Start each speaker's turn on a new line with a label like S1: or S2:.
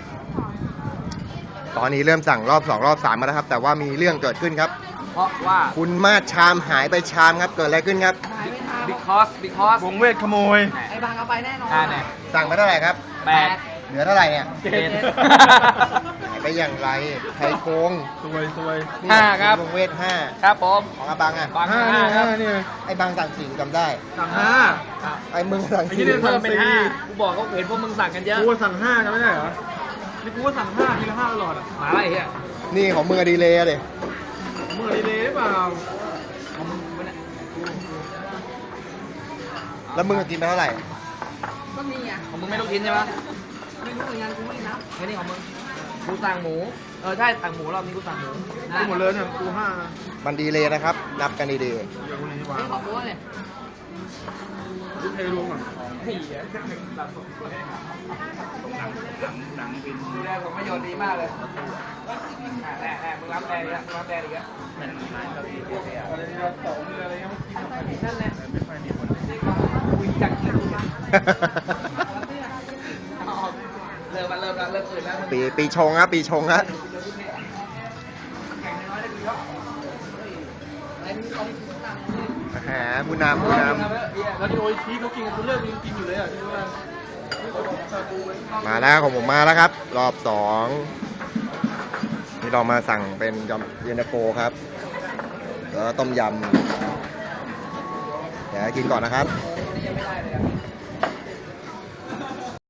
S1: ตอนนี้เริ่มสั่งรอบ2รอบ3มาแล้วครับแต่ว่ามีเรื่องเกิดขึ้นครับ
S2: เพราะว่า
S1: คุณมาดชามหายไปชามครับเกิดอะไรขึ้นครับ
S2: because
S3: วงเวทขโมย
S4: ไอ้บางเอาไปแน่นอน
S2: เนี่ย
S1: สั่งไปเท่าไหร่ครับ
S2: 8
S1: เหลือเท่าไหร่เนี่ย
S2: 7
S1: หายไปอย่างไรใครโกง
S3: สวยสวย
S1: นี่
S2: 5 ครับ
S1: วงเวท5
S2: ครับผม
S1: ของอาบังอ่ะ
S2: บาง
S3: ห้า
S2: 5 ครับ
S3: นี่
S1: ไอ้บังสั่ง4จำได้
S3: สั่งห้า
S1: ไอ้มึงสั่ง
S3: ไอ้นี่
S1: 4
S3: เนี่ย
S2: เพิ่มเป็น5กูบอกเขาเห็นพวกมึงสั่งกันเยอะ
S3: กูสั่งห้ากันไม่ได้เหรอ นี่กูก็สั่งห้าทีละห้าตลอดอ่ะ
S2: หมาอะไรเฮีย
S1: นี่ของมึงอะดีเลยเลย
S3: มึงดีเลยหรือเปล่า
S2: ของมึงไม่ได้
S1: แล้วมึงกินไปเท่าไหร่
S4: ก็มีอ่ะ
S2: ของมึงไม่ต้องกินใช่ปะ
S4: ไม่รู้เหมือนกันกูไม่นับ
S2: แค่นี้ของมึงกูสั่งหมูใช่สั่งหมูรอบนี้กูสั่งหมู
S3: กูหมดเลยเนี่ยกูห้า
S1: มันดีเลยนะครับ นับกันดี
S3: อย่างคนนี้วาง
S4: ไม่ขอโพสเลย
S3: กูเทรวมอ่ะ
S2: ดูแลผมประโยชน์ดีมากเลยมึงรับแดงอีกแล้วมึงรับแดงอีกแล้ว
S3: อะไรเนี่ยสองอะไรเงี้ย
S4: นั่นแหละ
S3: ไม่ค่อยมีคน
S2: คุยจังเลย
S1: ๆ
S2: เริ่มแล้วเริ่มอื่นแล้ว
S1: ปีชงครับปีชงครับหาผู้นำ
S3: แล้วที่โอชีเขากินกูเลิกกินอยู่เลยอ่ะที่ว่า
S1: มาแล้วของผมมาแล้วครับ รอบ2นี่เรามาสั่งเป็นเย็นตาโฟครับแล้วต้มยำเดี๋ยวกินก่อนนะครับ
S2: ยังไม่ได้เลย